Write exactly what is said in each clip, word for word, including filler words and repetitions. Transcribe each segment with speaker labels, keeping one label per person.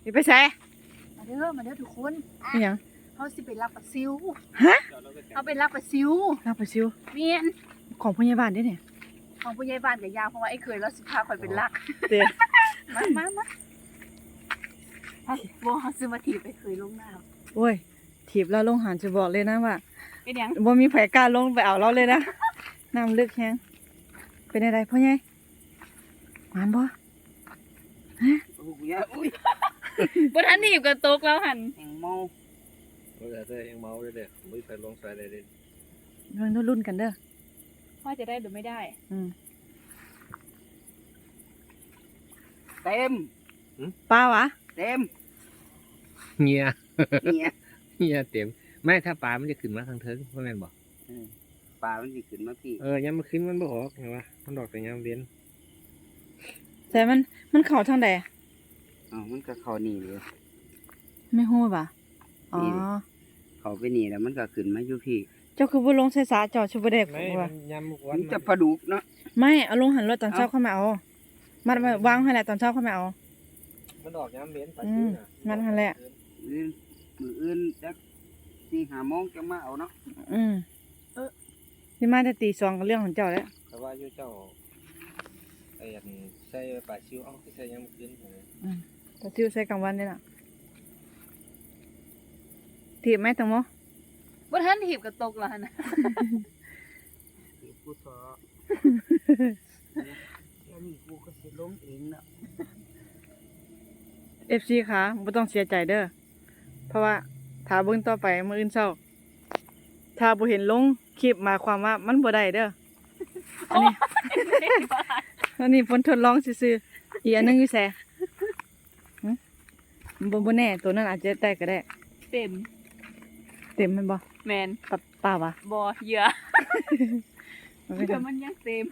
Speaker 1: สิไปใส่
Speaker 2: มาเด้อมาเด้อทุกคน
Speaker 1: อีหยัง
Speaker 2: เขาสิไปรับปลาซิว
Speaker 1: ฮะ
Speaker 2: เขาไปรับปลาซิว
Speaker 1: รับปลาซิว
Speaker 2: เมียน
Speaker 1: ของพยาบาลได้เนี่ย
Speaker 2: ของผู้ใหญ่บ้านกับยาเพราะว่าไอ้เคยแล้วสิพาคอยเป็นลัก
Speaker 1: เด้
Speaker 2: มามามาไอ้บ่เขาซื้อมาถีบไปเคยลงน้
Speaker 1: ำโอ้ยถีบแล้วลงหันจะบอกเลยนะว่า
Speaker 2: เป็นยัง
Speaker 1: บ่มีไผกล้าลงไปเอาเราเลยนะน้ำลึกแฮงเป็นอะไรพ่อใหญ่หวานบ่ฮะ
Speaker 2: อุ้ยบ่ทันถีบกันตกแล้วหัน
Speaker 3: แหงเมา
Speaker 4: เออเด้อยังเมาเลยเด้อไม่ไปลงใส่เลยเด้อ
Speaker 1: มันรุ่นกันเด้อ
Speaker 2: ว่าจะได้หรือไม่ได้
Speaker 1: อืม
Speaker 3: เต็ม
Speaker 1: ปลาวะ
Speaker 3: เต็ม
Speaker 4: เงีย
Speaker 3: เงีย
Speaker 4: เงียเต็มไม่ถ้าปลามันจะขึ้นมาทางเทิงเพราะแม่นบอก
Speaker 3: ปลามันจะขึ้นมาพี่
Speaker 4: เออยังมันขึ้นมันบ่ออกไงวะมันดอกแต่ยังเว้น
Speaker 1: แต่มันมันเข่าทางใด
Speaker 3: อ๋อมันก็เขาหนีเลย
Speaker 1: ไม่ฮู้ป่ะอ๋อ
Speaker 3: เขาไปหนีแล้วมันก็ขึ้นมาอยู่พี่
Speaker 1: เจ้าคือบ่ลงใส่สาเจ้าชุบเด็ก
Speaker 4: ไม่มันยำวั
Speaker 3: นจะปลาดุกเนาะ
Speaker 1: ไม่เอาลงหันรถตอนเช้าเข้ามาเอามัดวางให้แหละตอนเช้าเข้ามาเอา
Speaker 4: มันดอกยำเว้นปลา
Speaker 1: ซิวน่ะมันหั่นแหละ
Speaker 3: มื้อมื้ออื่นจักสี่ห้าโมงจะมาเอาเนาะ
Speaker 1: อืมเออนี่มาแต่ตีสองก็เรื่องของเจ้าแล้ว
Speaker 4: แต่ว่าอยู่เจ้าไอ้อันใส่ปลาซิวเอ้าใส่ยังขึ้น
Speaker 1: อืมปลาซิวใส่กลางวันนี่น่ะถีบไหมตังโม
Speaker 2: บ่ทันถีบกันตกแล้วนะ
Speaker 3: กูสอแค่นี้กูก็สิล้มเองเนาะ
Speaker 1: เอฟ ซี ค่ะบ่ต้องเสียใจเด้อเพราะว่าถ้าเบิ่งต่อไปมื้ออื่นเช้าถ้าบ่เห็นลงคลิปหมายความว่ามันบ่ได้เด้ออันนี้อันนี้ผลทดลองซื่อๆอีกอันนึงอยู่แซ่หึบ่บ่แน่ตัวนั้นอาจจะได้ก็ได้
Speaker 2: เต็ม
Speaker 1: เต็มมันบ่
Speaker 2: แม่น
Speaker 1: ปะป่าวะ
Speaker 2: บ่เหยื่อแต่มันยังเต็ม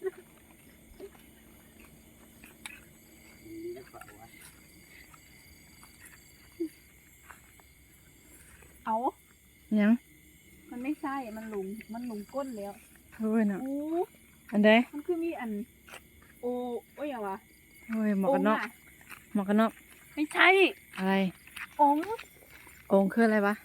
Speaker 2: เอา
Speaker 1: ยัง
Speaker 2: มันไม่ใช่มันหลุมมันหลุมก้นแล้ว
Speaker 1: โอ้ยน่ะ
Speaker 2: โอ้
Speaker 1: อันใด
Speaker 2: มันคือมีอันโอ้โอ้ยอย่างวะ
Speaker 1: โอ้ยหมวกกันน็อกหมวกกันน็อก
Speaker 2: ไม่ใช่
Speaker 1: อะไร
Speaker 2: อง
Speaker 1: องคืออะไรวะ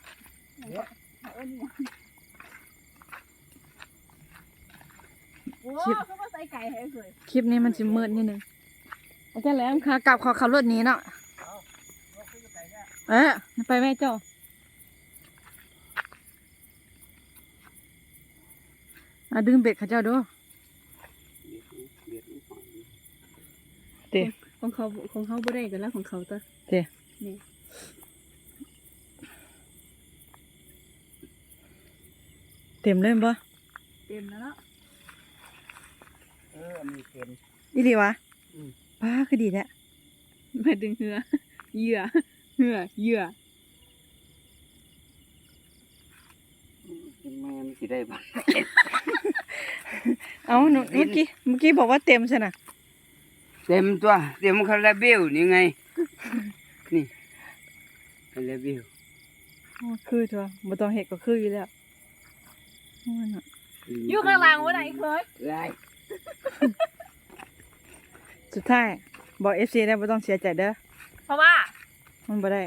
Speaker 2: คลิปเขาใส่ไก่ให้เคย
Speaker 1: คลิปนี้มันสิมืดนิดนึงอาจารย์แหลมค่ะกลับขอขับรถหนีเนาะเอ๊ะไปแม่เจ้ามาดึงเบ็ดข้าเจ้าดูเตะ
Speaker 2: ของเขาของเขาบ่ได้กันแล้วของเขาตัว
Speaker 1: เตะ
Speaker 2: นี่
Speaker 1: เต็มเลยบ่
Speaker 2: เต็มแล้วเนาะ
Speaker 3: เออมีเต็ม
Speaker 1: อีหลีวะป้าคือดีแหละ
Speaker 2: มาดึงเหือเหยื่อเหือเหยื่อ
Speaker 3: แม่มันสิได้บ่
Speaker 1: เอาหนูเมื่อกี้เมื่อกี้บอกว่าเต็มใช่ไหม
Speaker 3: เต็มตัวเต็มคาราเบลนี่ไงนี่คาราเบล
Speaker 1: คือตัวบ่ต้องเห็ดก็คืออยู่แล้ว
Speaker 2: อยู่ข้างล่างวันไหนเคย
Speaker 3: ได้
Speaker 1: สุดท้ายบอกเอฟซีได้บ่ต้องเสียใจเด้อ
Speaker 2: เพราะว่า
Speaker 1: มันบ่ได้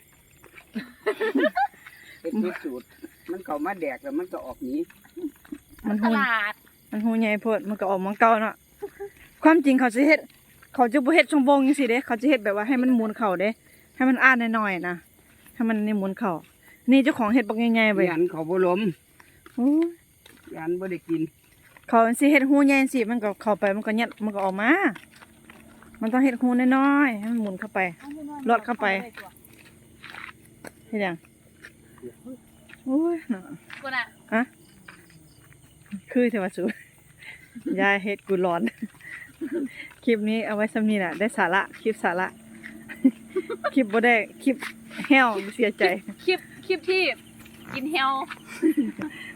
Speaker 3: เป็นพิสูจน์มันเข้ามาแดกแล้วมันก็ออกหนี
Speaker 2: มันตลาด
Speaker 1: มันหูใหญ่โพดมันก็ออกมังเก่าเนาะความจริงเขาจะเฮ็ดเขาจะบ่เฮ็ดช่องโบงจังซี่เด้เขาจะเฮ็ดแบบว่าให้มันหมุนเข่าเด้ให้มันอ้านน้อยๆนะให้มันนี่หมุนเข่านี่เจ้าของเฮ็ดบักใหญ่ๆไป
Speaker 3: ยันเขาบ่ล้ม
Speaker 1: โอ้
Speaker 3: ยันบ่ได้กิน
Speaker 1: เขาสิเฮ็ดหูใหญ่สิมันก็เข้าไปมันก็ยัดมันก็ออกมามันต้องเฮ็ดหูน้อยๆให้มันหมุนเข้าไปลอดเข้าไปเฮ็ดหยังโอ้ยน่ะ
Speaker 2: กูน่ะ
Speaker 1: ฮะคือเทวสุยายเฮ็ดกูร้อนคลิปนี้เอาไว้ซ้ำนี้แหละได้สาระคลิปสาระคลิปบ่ได้คลิปแห้วเสียใจ
Speaker 2: คลิปคลิปที่กินแห้ว